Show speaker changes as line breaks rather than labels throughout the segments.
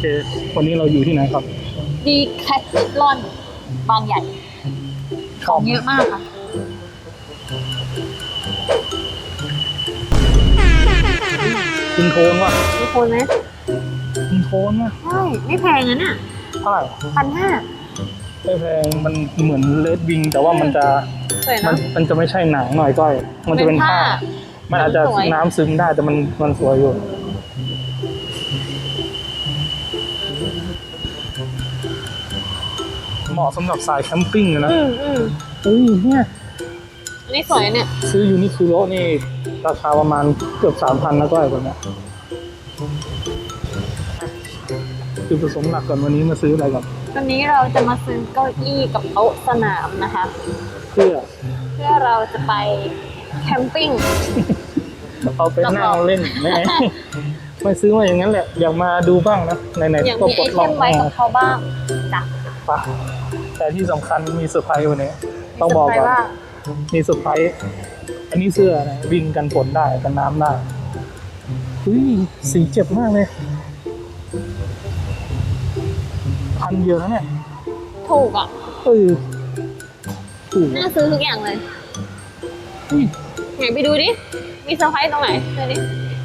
วันนี้เราอยู่ที่ไหนครับ
ดีแคทลอนบางใหญ่ของเยอะมากค่ะ
กินโทนว่ะ
มีคนไหม
กินโทนว่ะ
ใช่ไม่แพงนะเนี่ย
เท่าไหร่
1,500
ไม่แพงมันเหมือนเลดวิงแต่ว่ามันจะ
สวยนะ
มันจะไม่ใช่หนังหน่อยก้อยมันจะเป็นผ้ามันอาจจะน้ำซึมได้แต่มันสวยอยู่เหมาะสำหรับสายแคมปิ้งเลยนะเนี่ย
อันนี้สวยเนี่ย
ซื้อยูนิคุโร่นี่ราคาประมาณเกือบ 3,000นะก้อยคนเนี้ยคือผสมหลักก่อนวันนี้มาซื้ออะไรก่อน
วันนี้เราจะมาซื้อเก้าอี้กับโต๊ะสนามนะคะ
เพื่อ
เราจะไปแคมปิ้ง
เอาไปนั่งเล่นไม่ซื้อมาอย่างนั้นแหละอยากมาดูบ้างนะไหน
ๆก็มีไอเทมไว้กับเขาบ้างจ้ะ
แต่ที่สำคัญมีเซอร์ไพรส์วันนี้ต้องบอกก่อนมีเซอร์ไพรส์อันนี้เสื้อนะวิ่งกันฝนได้กันน้ำได้สีเจ็บมากเลย1,000เดียวนะเนี่ย
ถูกอ่ะ
ถูก
น่าซื้อทุกอย่างเลยไหนไปดูดิมีเซอร์ไพรส์ตรงไหนเดี๋ยวนี้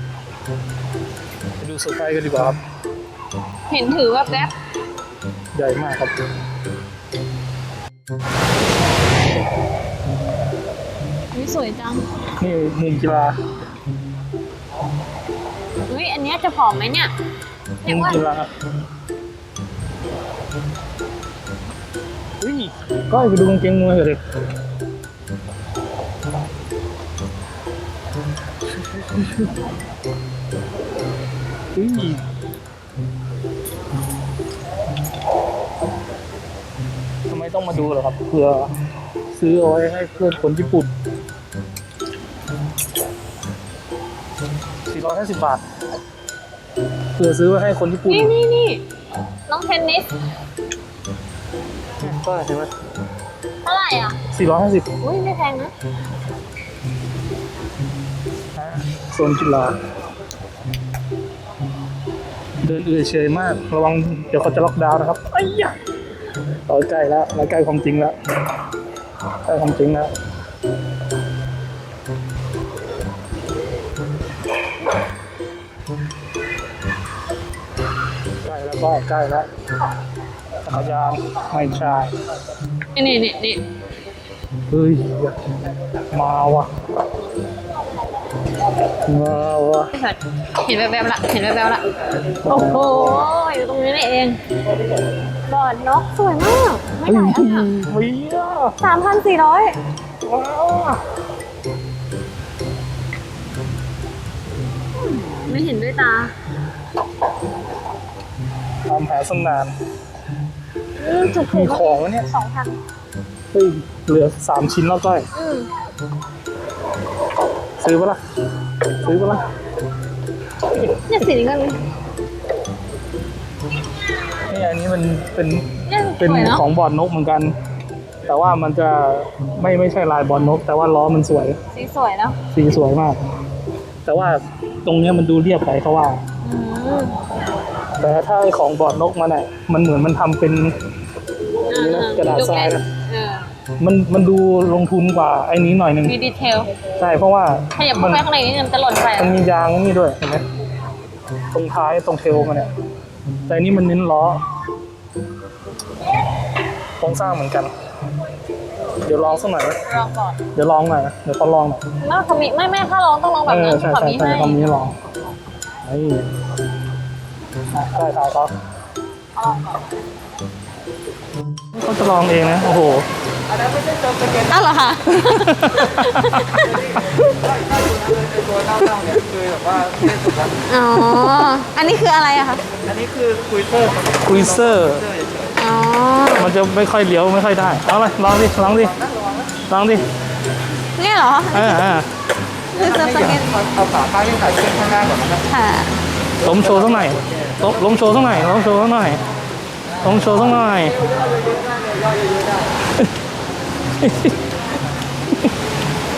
ไปดูเซอร์ไพรส์กันดีกว่าครับ
เห็นถือว่าแป๊บ
ใหญ่มากครับ
นี่สวยจัง
นี่มุมกีฬา
อันนี้จะผอมไหมเนี่ย
มุมกีฬาก็ไปดูกางเกงมวยเลยทำไมต้องมาดูเหรอครับเพื่อซื้อเอาไว้ให้เพื่อนคนญี่ปุ่น450 บาทเพื่อซื้อไว้ให้คนญี่ปุ่น
นี่น้องเทนนิส
ก็เห็นไหม
เท่าไหร่อ่ะ
450
ไม่แพงนะ
โซนกีฬาเดินเฉยมากระวังเดี๋ยวเขาจะล็อกดาวน์นะครับเราใกล้แล้วเราใกล้ความจริงแล้วใกล้ความจริงแล้วใกล้แล้วจักรยานไม่ใช่
นี่
เฮ้ยมาว่ะ
เห็นแวบๆละโอ้โหอยู่ตรงนี้นี่เองบอร์ดนกสวยมากไม่ไหนอ่ะ3,400
ว้าว
ไม่เห็นด้วยตา
ทำแผลสนานมีของแล้วเนี่ย
2,000
เหลือ3 ชิ้นแล้วก้อยซื้อปะล่ะ
เนี่ยสีนี้ก็
นี่อันนี้มันเป็นของบอร์ดนกเหมือนกันแต่ว่ามันจะไม่ใช่ลายบอร์ดนกแต่ว่าล้อมันสวย
สีสวยเนาะ
สีสวยมากแต่ว่าตรงนี้มันดูเรียบไปเขาว่าแต่ถ้าไอ้ของบอร์ดนกมันเหมือนมันทำเป็นนี่นะกระดาษทรายนะมันดูลงทุนกว่าไอ้นี้หน่อยนึง
มีดีเทล
ใช่เพราะว่า
ขยับเข้าไปข้างในนี่มันจะหล่นไป
มันมียางนี่ด้วยเห็นไหมตรงท้ายตรงเทลมันเนี่ยแต่นี่มันเน้นล้อโครงสร้างเหมือนกันเดี๋ยวลองสักหน่อย
ลองก่อน
เดี๋ยวลองหน่อยเดี๋ยวเขาลองหน่อย
เขามีไม่ถ้าลองต้องลองแบบนั้น
เขามีให้เขามีลองได้ถ่ายเขาเขาจะลองเองนะโอ้โห
อ้าวเหรอคะ
ตัวเน่าๆเนี่ยคือแบบว่าไม่สุกแล้ว
อ๋ออันนี้คืออะไรอะคะ
อันนี้คือคุยเซอร์
อ๋อ
มันจะไม่ค่อยเลี้ยวไม่ค่อยได้เอาเลยลองดิ
เนี่ยเหรอ
คือจะสเก็ตเอาขาข้างที่ถ่ายเส้นข้างหน้าก่อนนะครับ
ค่ะ
ล้มโชว์สักหน่อย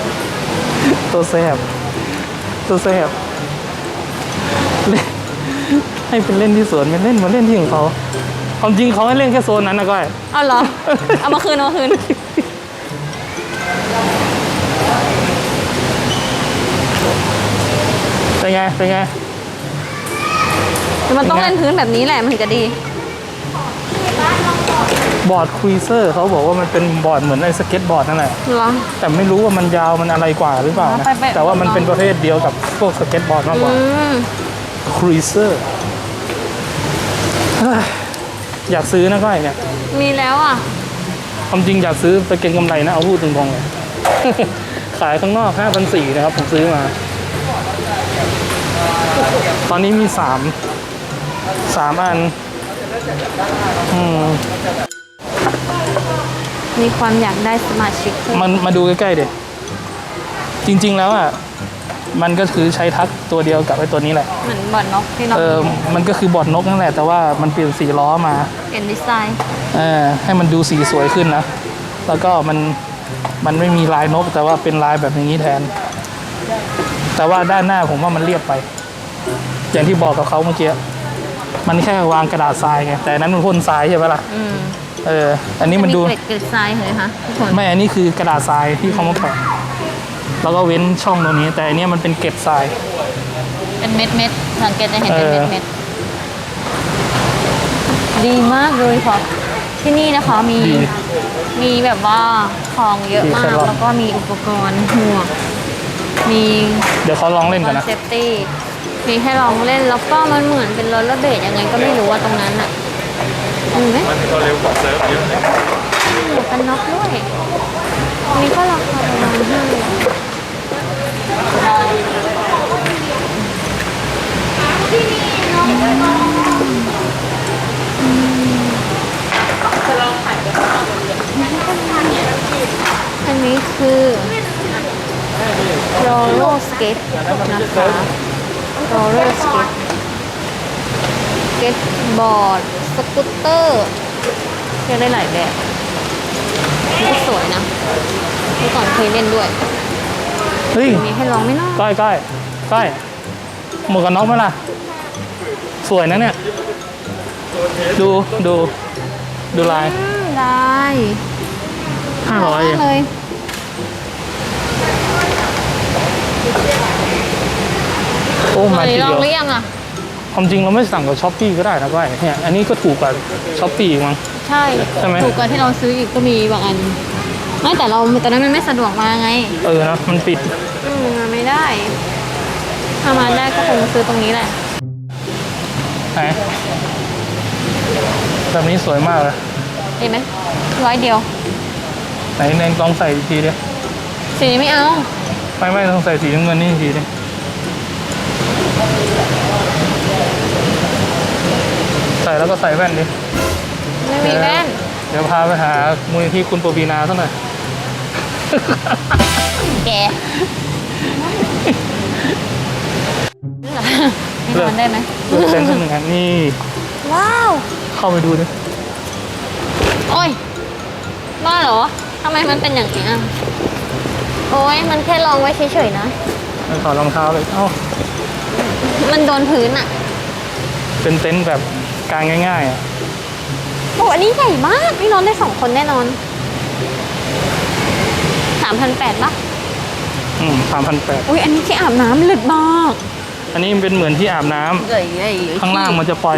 ตัวแสบให้เป็นเล่นที่สวนเป็นเล่นมาเล่นที่ของเขาความจริงเขาให้เล่นแค่โซนนั้นนะก้อย
เอาเหรอ เอามาคืนเอามาคืน
เป็นไงเป็นไง
มันต้องเล่นพื้นแบบนี้แหละมันถึงจะดี
บอร์ดควีเซอร์เขาบอกว่ามันเป็นบอร์ดเหมือนไอ้สเก็ตบอร์ดนั่นแหละ
เหรอ
แต่ไม่รู้ว่ามันยาวมันอะไรกว่าหรือเปล่านะ
ไปๆ
แต่ว่ามันเป็นประเภทเดียวกับพวกสเก็ตบอร์ดมากกว่า
ม
ควีเซอร์อยากซื้อนะก้อยเนี่ย
มีแล้วอ่ะ
ความจริงอยากซื้อไปเก็งกำไรนะเอาพูดตรงๆเลย ขายข้างนอก 5,400 นะครับผมซื้อมา ตอนนี้มี3อัน
มีความอยากได้สมาชิกเพิ่ม
มันมาดูใกล้ๆเด็จริงๆแล้วอ่ะมันก็คือใช้ทักตัวเดียวกับไอ้ตัวนี้แหละ
เหมือนบอดนกที่เรา
มันก็คือบอร์ดนกนั่นแหละแต่ว่ามันเปลี่ยนสีล้อมา
เปลี่ยนดีไซน์
ให้มันดูสีสวยขึ้นนะแล้วก็มันไม่มีลายนกแต่ว่าเป็นลายแบบอย่างนี้แทน แต่ว่าด้านหน้าผมว่ามันเรียบไป อย่างที่บอกกับเขาเมื่อกี้มันแค่วางกระดาษทรายไงแต่อันนั้นมันพ่นทรายใช่ไหมล่ะอันนี้มันดู
เกล็ดทรายเลยคะทุกคน
ไม่อันนี้คือกระดาษทรายที่เขามาแปะแล้วก็เว้นช่องตรงนี้ แต่อันนี้มันเป็นเกล็ดทราย
เป็นเม็ดสังเกตจะเห็นเป็นเม็ดดีมากเลยค่ะที่นี่นะคะมีแบบว่าของเยอะมากแล้วก็มีอุปกรณ์หมวกมี
เดี๋ยวเขาลองเล่นกันนะ
เซฟตี้มีให้ลองเล่นแล้วก็มันเหมือนเป็นโรลเลอร์เบลดยังไงก็ไม่รู้ว่าตรงนั้นอ่ะมีไหม
มันก็เร็วกว่าเซิร์ฟเยอะเลย
หมวกกันน็อกด้วยอันนี้ก็ราคาประมาณอันนี้คือโรลเลอร์สเก็ตนะคะโรลเลอร์สเก็ตสเก็ตบอร์ดสกูตเตอร์เรียกได้หลายแบบนี่ก็สวยนะเมื่อก่อนเคยเล่นด้วย
เฮ้ย
มีให้ลองไหมเนาะ
ก้อยหมวกกันน็อกไหมล่ะสวยนะเนี่ยดูลาย
ได้
500เอง
เลย
โอ้มาที
ลอ
เดี
ง
ยว
หรือยังอ่ะ
ความจริงเราไม่สั่งกับช้อปปี้ก็ได้นะก้อยเนี่ยอันนี้ก็ถูกกว่าช้อปปี้มั้ง
ใช่
ใช่ไหม
ถูกกว่าที่เราซื้ออีกก็มีบางอันไม่แต่เราตอนนั้นมันไม่สะดวกมาไง
นะมันปิด
มาไม่ได้ถ้ามาได้ก็คงซื้อตรงนี้แหละ
ไหนแบบนี้สวยมากเลย
เห็นไหม100เดียว
ไหนเนงลองใส่อีกทีดิ
สีนี้ไม่เอา
ไม่ต้องใส่สีน้ำเงินนี่อีกทีดิใส่แล้วก็ใส่แว่นดิ
ไม่มีแว่น
เดี๋ยวพาไปหามูลนิธิคุณปวีนาสักหน่อย
แกนี่นอนได้ไหม
เลือกเต้นสักหนึ่งอันนี่
ว้าว
เข้าไปดูดิ
โอ้ยบ้าเหรอทำไมมันเป็นอย่างนี้อ่ะโอ้ยมันแค่ลองไว้เฉยๆนะ
มันถอดรองเท้าเลย
มันโดนพื้นอ่ะ
เป็นเต็นท์แบบกางง่ายๆอ่ะ
โอ้อันนี้ใหญ่มากนี่นอนได้2 คนแน่นอน 3,800 ป่ะ
3,800
อุ้ยอันนี้ที่อาบน้ำลึกมาก
อันนี้มันเป็นเหมือนที่อาบน้ำ
ใหญ่ๆ
ข้างล่างมันจะปล่อย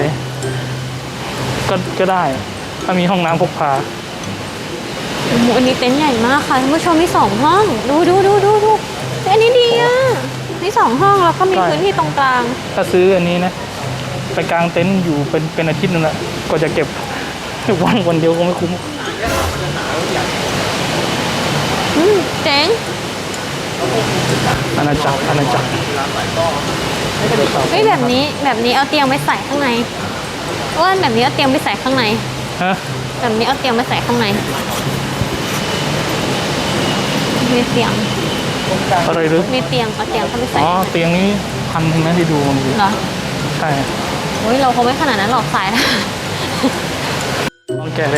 ก็ได้ ถ้ามีห้องน้ำพกพา
โอ้โหอันนี้เต็นท์ใหญ่มากค่ะท่านผู้ชมมี2 ห้อง ดูอันนี้ดีอ่ะมี2 ห้องแล้วก็มี
ใช่
พื้นที่ตรงกลาง
ถ้าซื้ออันนี้นะ ไปกางเต็นท์อยู่เป็นอาทิตย์นึงละก็จะเก็บวันเดียวก็ไม่คุ้ม
เจ๋ง
อาณาจักร
เฮ้ยแบบนี้เอาเตียงไปใส่ข้างในอ้วนแบบนี้เอาเตียงไปใส่ข้างใน
ฮะ
แบบนี้เอาเตียงไปใส่ข้างในมีเตียง
อะไรหรือ
มีเตียงเอาเตียงเข้าไปใส่
อ๋อเตียงนี้1,000นะที่ดูมันอยู่
เหรอ
ใช่
โอ้ยเราคงไม่ขนาดนั้นหรอกสายนะ
ลองแกะเลย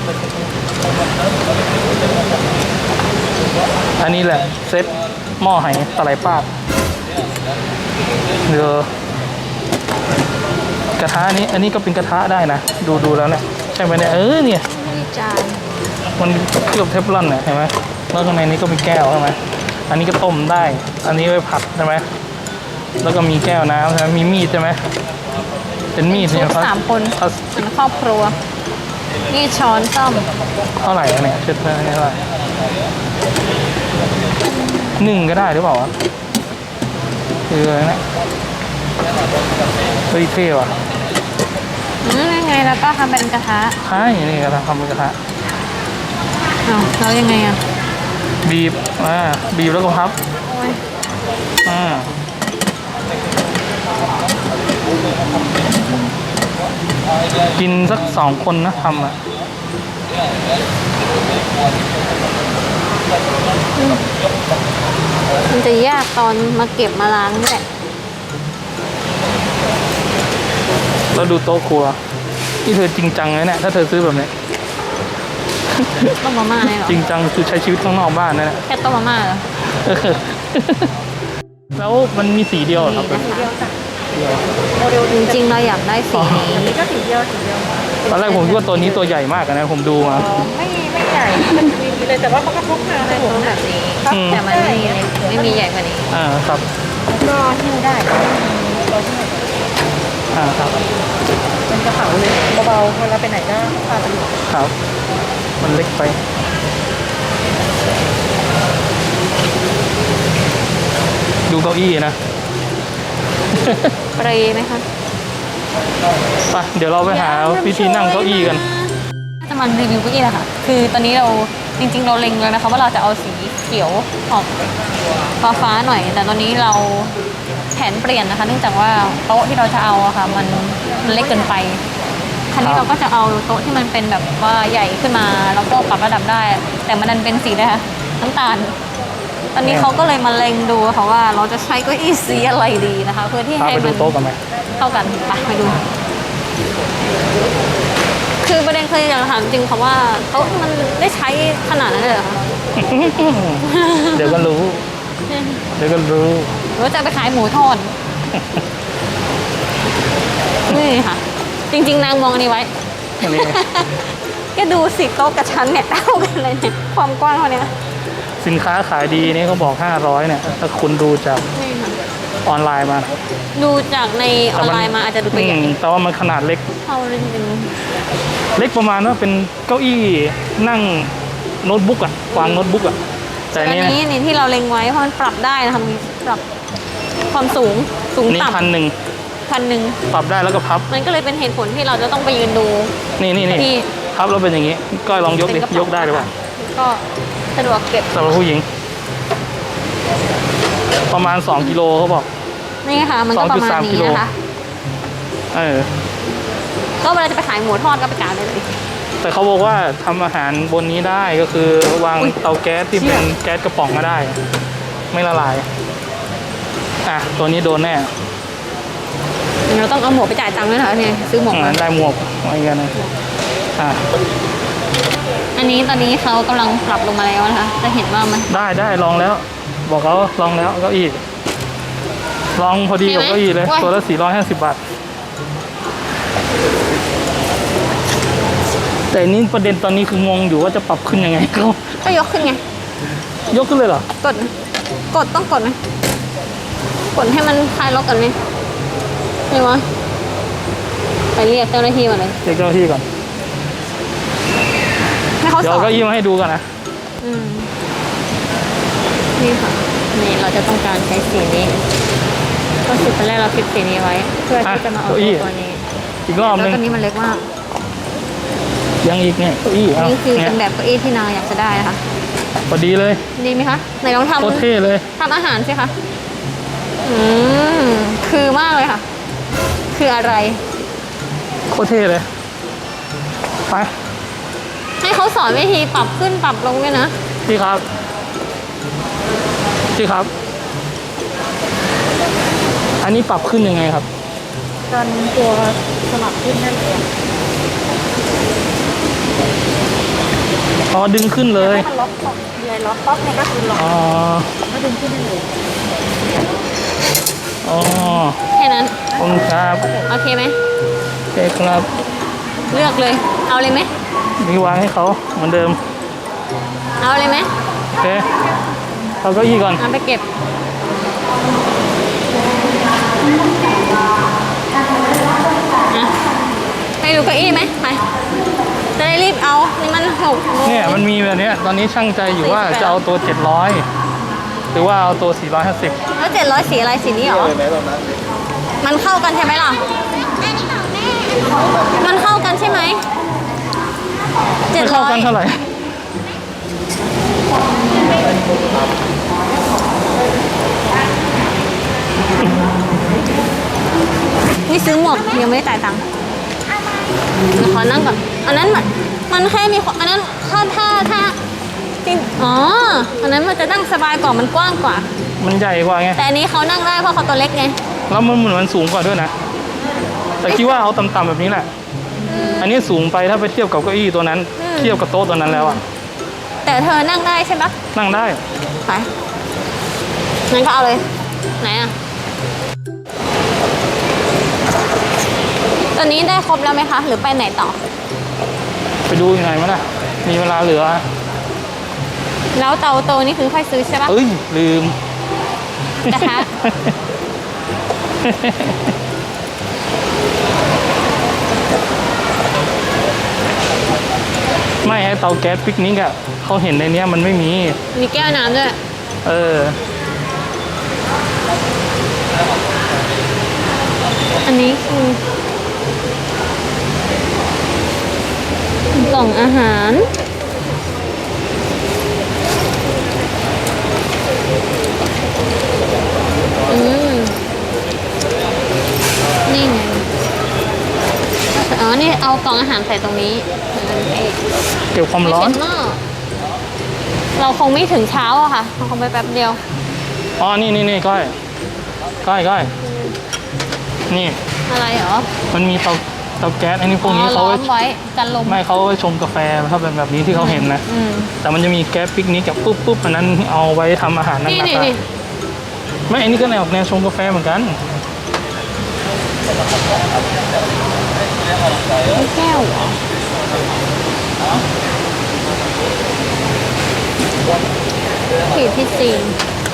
อันนี้แหละเซ็ตหม้อไหตะไลป้าดกระทะนี้อันนี้ก็เป็นกระทะได้นะดูแล้วเนี่ยใช่ไหมเนี่ยเนี่ย
นี่จาน
มันเคลือบเทฟลอนเนี่ยเห็นไหมแล้วข้างในนี้ก็มีแก้วใช่ไหมอันนี้ก็ต้มได้ อันนี้ไว้ผัดใช่ไหมแล้วก็มีแก้วน้ำใช่ไหมมีมีดใช่ไหมเป็นมีด
ชุ
เนี่ย
ด3 คน
พลาส
เป็นครอบครัวนี่ช้อนซ่อม
เท่าไหร่อะเนี่ยชุดเท่าไหร่1ก็ได้หรือเปล่าวะคืออะไรเนี่ยเฮ้ยเท่ว่ะ
ยังไงแล้วก็ทำเป็นกระทะ
ใช่นี่กระทะทำเป็นกระทะ
อ้าวแล้วยังไงอ่ะ
บีบบีบแล้วก็พับ
โอ้ย
กินสัก2 คนนะทำอ่ะ
มันจะยากตอนมาเก็บมาล้างนี่แหละ
แล้วดูโต๊ะครัวนี่เธอจริงจังเลยเนี่ยถ้าเธอซื้อแบบนี้
ต้มมาม่าเลยเหรอ
จริงจังคือใช้ชีวิตข้างนอกบ้านนั่นแหละ
แค่ต้มมาม่าเหรอ
แล้วมันมีสีเดียวเหรอครับ
นี่นะคะจริงๆเราอยากได้สีนี้
นี่ก็สีเดียว
ตอนแรกผมคิดว่าตัวนี้ตัวใหญ่มากนะผมดูมา
ไม่ใหญ่มันมีเลยแต่ว่าเขาก็พกมา
ได้
ใน
ต้
ถุ
ม
ง
แบบนี้
อืม
แต่มันไม่มีใหญ่กว่านี้
ครับ
ก็หิ้วได้
ครับ
เป็นกระเป๋าเลยเบาๆเวลาไปไหนก็พาไปอยู่
ครับ มันเล็กไป ดูเก้าอี้นะ
เปรย์ไหมคะ
ไปเดี๋ยวเราไปหาวิธีนั่งเก้าอี้กัน
จะมารีวิวเก้าอี้แหละค่ะ คือตอนนี้เราจริงๆเราเล็งเลยนะคะว่าเราจะเอาสีเขียวออกฟ้าๆหน่อย แต่ตอนนี้เราแผนเปลี่ยนนะคะ เนื่องจากว่าโต๊ะที่เราจะเอาอะค่ะมันเล็กเกินไปคราวนี้เราก็จะเอาโต๊ะที่มันเป็นแบบว่าใหญ่ขึ้นมาแล้วก็ปรับระดับได้ แต่มันดันเป็นสีนะคะน้ำตาล ตอนนี้เขาก็เลยมาเล็งดูค่ะว่าเราจะใช้เก้าอี้สีอะไรดีนะคะ เพื่อที่
พา
ให้
ไปดู
มัน
โต๊ะกันไหม
เข้ากันไปดู คือประเด็นคืออยากถามจริงค่ะว่าโต๊ะมันได้ใช้ขนาดนั้นเลยเหรอคะ
เดี๋ยวก็รู้ เดี๋ยวก็รู้
หรือว่าจะไปขายหมูทอด นี่ค่ะ จริงๆนางมองอันนี้ไว้
อันนี้
ก็ดูสิโต๊ะกับชั้นเนี่ยเท่ากันเลยเนี่ยความกว้างเท่านี้
สินค้าขายดีนี่เขาบอก500เนี่ย ถ้าคุณดูจาก
นี่ค่ะ
ออนไลน์มานะ
ดูจากในออนไลน์มาอาจจะดูตัวใหญ่
แต่ว่ามันขนาดเล็ก
เท่าเลยจริง
เล็กประมาณว่าเป็นเก้าอี้นั่งโน้ตบุ๊กอะวางโน้ตบุ๊กอะแต่
ๆ
อัน
อัน
นี้
นี้นี่ที่เราเล็งไว้เพราะมันปรับได้นะคะมีปรับความสูง
นี่
ต่ำ 1,000
ปรับได้แล้วก็พับ
มันก็เลยเป็นเหตุผลที่เราจะต้องไปยืนดู
นี่
ที่
พับแล้วเป็นอย่างนี้ ก้อยลองยกดิ
เป็นระเป๋าย
กได้หรือเปล่า
ก็สะดวกเก็บ
สำหรับผู้หญิง ประมาณ2 กิโลเขาบอก
นี่ค่ะ มันก็ประมาณ
2.3 กิ
นี้
โล
นะคะ ก็เวลาจะไปขายหมูทอดก็ไปกาเลย
แต่เขาบอกว่าทำอาหารบนนี้ได้ก็คือวาง
อุ๊ย
เตาแก๊สที่เป็นแก๊สกระป๋องก็ได้ ไม่ละลาย ตัวนี้โดนแน่
เราต้องเอาหมวกไปจ่ายตังค์ด้วยนะคะเนี่ยซื้อหมวกมา
ได้หมวกอะไรกันนะ
อันนี้ตอนนี้เขากำลังปรับลงมาแล้วนะคะจะเห็นว่ามัน
ได้ลองแล้ว บอกเขาลองแล้วเก้าอี้ลองพอดีกับเก้าอี้เลย ตัวละ450 บาท แต่นี่ประเด็นตอนนี้คืองงอยู่ว่าจะปรับขึ้นยังไงเขา
ก็ยกขึ้นไง
ยกขึ้นเลยเหรอ
กดต้องกดไหมกดให้มันคลายล็อกกันไหมไม่วะไปเรียกเจ้าหน้าที่มาเลย
เรียกเจ้าหน้าที่ก่อน
ให้เขา
เดี๋
ส
ยว
อน
เก้าอี้มาให้ดูกันนะ
นี่ค่ะนี่เราจะต้องการใช้สีนี้ก็คือตอนแรกเราคิดสีนี้ไว้ เพื่อที่จะมาเอาตัวนี้
อีกรอบ
แล้ว
นึง
ตัวนี้มันเล็กมาก
ยังอีกเนี่ยเก้าอี้
นี่คือ
เนี่
เป็
ย
นแบบเก้าอี้ที่นางอยากจะได้นะคะ
พอดีเลย
ดีไหมคะไหนลอง
โคตรเท่เลย
ทำอาหารสิคะคือมากเลยค่ะ คืออะไร
โคตรเท่เลยไป
ให้เขาสอนวิธีปรับขึ้นปรับลงด้วยนะ
พี่ครับอันนี้ปรับขึ้นยังไงครับ
การตัวสลับขึ้นนั่นเอง
อ๋อดึงขึ้นเลย
ให้มันล็อกป๊อกเดี๋ยวล็อกป๊อกเนี่ยก็คือล็อก
อ๋อ
ก็ดึงขึ้นได้เลย
อ๋อ
แค่นั้น
ขอบคุณครับ
โอเคไหม
โอเคครับ
เลือกเลย เอาเลยไหม
นี่วางให้เขาเหมือนเดิม
เอาเลยไหม
โอเคเอาเก้าอี้ก่อน
เอาไปเก็บอ่ะไปดูเก้าอี้ไหมไปจะได้รีบเอานี่มัน6 โมง
เนี่ยมันมีแบบเนี้ยตอนนี้ช่างใจอยู่ว่าจะเอาตัว 700 หรือว่าเอาตัว 450
แล้ว700สีอะไรสีนี้เหรอ
เลยไหมตรงนั้น
มันเข้ากันใช่ไหมล่ะ มันเข้ากันใช่ไหม
ไม่เข้ากันเท่าไหร่
นี่ซื้อหมวกยังไม่ได้จ่ายตังค์เดี๋ยวขอนั่งก่อน อันนั้นมันแค่มีอันนั้นถ้าจริงอ๋อ อันนั้นมันจะนั่งสบายกว่ามันกว้างกว่า
มันใหญ่กว่าไง
แต่อันนี้เขานั่งได้เพราะเขาตัวเล็กไง
แล้วมันเหมือนมันสูงกว่าด้วยนะ แต่คิดว่าเอาต่ำๆแบบนี้แหละ อันนี้สูงไปถ้าไปเทียบกับเก้าอี้ตัวนั้น เทียบกับโต๊ะตัวนั้นแล้วอะ
แต่เธอนั่งได้ใช่ปะ
นั่งได้
ไปงั้นก็เอาเลย ไหนอะตอนนี้ได้ครบแล้วไหมคะ หรือไปไหนต่อ
ไปดูยังไงมั้ยนะมีเวลาเหลือ
แล้วเตาโตนี่คือค่อยซื้อใช่ปะ
เอ้ยลืม
กระทะ
ไม่ให้เตาแก๊สปิกนิกอะเขาเห็นในเนี้ยมันไม่มี
มีแก้วน้ำด้วย
เออ
อันนี้คือกล่องอาหารนี่ไงอ๋อ นี่เอากล่องอาหารใส่ตรงนี้เอง
เก็บความร้อน
ไม่เช็ดหม้อเราคงไม่ถึงเช้าอะค่ะเราคงไปแป๊บเดียว
อ๋อ นี่ก้อยก้อย นี่
อะไรเหรอ
มันมีเตาแก๊สไอ้นี่พวกนี้
ล้
เขา
อ
ไว้
มไว้กันลม
ไม่เขาไว้ชงกาแฟถ้าเป็นแบบนี้ที่เขาเห็นนะ
อืม
แต่มันจะมีแก๊สปิกนิกกับปุ๊บอันนั้นเอาไว้ทำอาหารนั่น
นี่
นะ
นี่
ครับ
นี่
ไม่อันนี้ก็แนวชงกาแฟเหมือนกัน
แก้วเหรอขีดที่จีน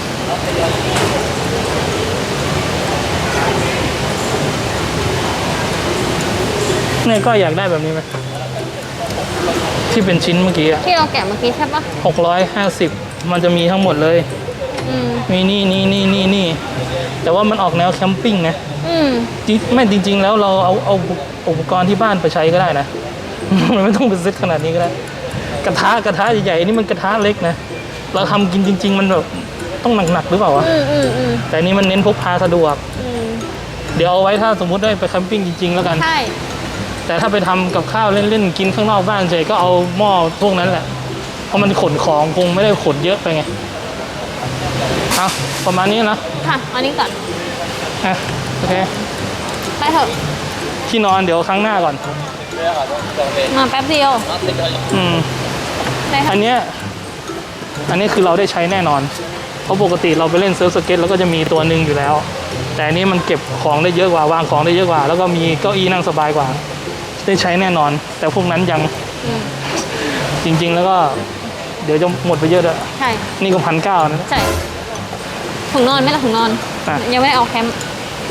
เนี่ยก็อยากได้แบบนี้ไหมที่เป็นชิ้นเมื่อกี้อะ
ที่เราแกะเมื่อกี้ใช่ปะ
650มันจะมีทั้งหมดเลย
อืม
มีนี่แต่ว่ามันออกแนวแคมปิ้งนะ
อืม
ไม่จริง ๆ แล้วเราเอาอุปกรณ์ที่บ้านไปใช้ก็ได้นะ มันไม่ต้องเป็นเซ็ตขนาดนี้ก็ได้ กระทะใหญ่ๆนี่มันกระทะเล็กนะ เราทำกินจริง ๆ มันแบบต้องหนักๆหรือเปล่าวะ
อืม
แต่อันนี้มันเน้นพกพาสะดวก เดี๋ยวเอาไว้ถ้าสมมุติได้ไปแคมปิ้งจริงๆแล้วกัน
ใช่
แต่ถ้าไปทำกับข้าวเล่นๆกินข้างนอกบ้านเฉยก็เอาหม้อพวกนั้นแหละ เพราะมันขนของคงไม่ได้ขนเยอะไปไง เอาประมาณนี้นะ
ค่ะอันนี้ก่อน
อ่ะโอเค
ไปเถอะ
ที่นอนเดี๋ยวครั้งหน้าก่อน
มาแป๊บเดียว
อืม
ได้
อั
ค่ะ
นนี้คือเราได้ใช้แน่นอน เพราะปกติเราไปเล่นเซิร์ฟสเก็ตแล้วก็จะมีตัวหนึ่งอยู่แล้ว แต่อันนี้มันเก็บของได้เยอะกว่าวางของได้เยอะกว่า แล้วก็มีเก้าอี้นั่งสบายกว่า ได้ใช้แน่นอน แต่พวกนั้นยัง
อืม
จริง ๆ แล้วก็ เดี๋ยวจะหมดไปเยอะด้วย
ใช่
นี่ก็1,900นะ
ใช่ถุงนอนไม่ละถุงนอน
อ่ะ
ยังไม่ได้เอาแคมป์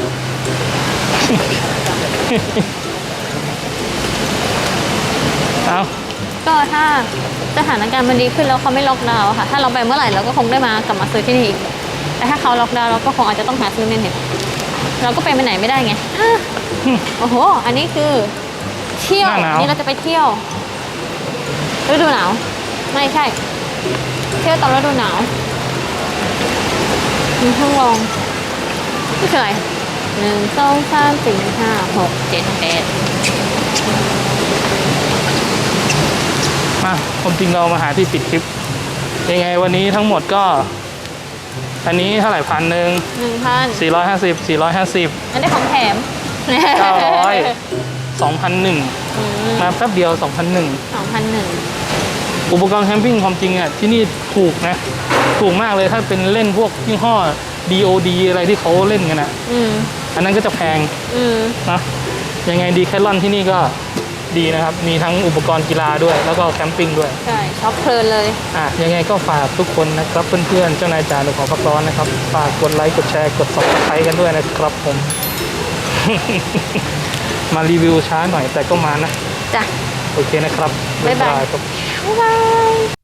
เอา
ก็ถ้าสถานการณ์มันดีขึ้นแล้วเขาไม่ล็อกดาวน์อะค่ะ ถ้าเราไปเมื่อไหร่เราก็คงได้มากลับมาซื้อที่นี่อีก แต่ถ้าเขาล็อกดาวน์เราก็คงอาจจะต้องหาซื้อเมนเห็ดเราก็ไปไหนไม่ได้ไงอ่ะโอ้โห อันนี้คือเที่ยวนี่เราจะไปเที่ยวฤดูหนาว ไม่ใช่ เที่ยวตอนฤดูหนาวมีห้องรองนี่คืออะไร1 2 3 4 5 6 7 8
มาความจริงเรามาหาที่ปิดคลิป ยังไงวันนี้ทั้งหมดก็ อันนี้เท่าไหร่1,000
1,000
450
อันได้ของแถม
900 2,001มาแป๊บเดียว 2,001
2,001
อุปกรณ์แคมปิ้งความจริงอ่ะที่นี่ถูกนะ ถูกมากเลยถ้าเป็นเล่นพวกยี่ห้อ DOD อะไรที่เขาเล่นกันอ่ะ อันนั้นก็จะแพงนะยังไงดีแคทลอนที่นี่ก็ดีนะครับ มีทั้งอุปกรณ์กีฬาด้วย แล้วก็แคมปิ้งด้วย
ใช่ช็อปเพลินเลย
ยังไงก็ฝากทุกคนนะครับเพื่อนๆเจ้านายจ่าหนูขอพักร้อนนะครับฝากกดไลค์กดแชร์กด Subscribe กันด้วยนะครับผม มารีวิวช้าหน่อยแต่ก็มานะ
จ้ะ
โอเคนะครับ
บ๊ายบาย
ครับ
บ๊ายบาย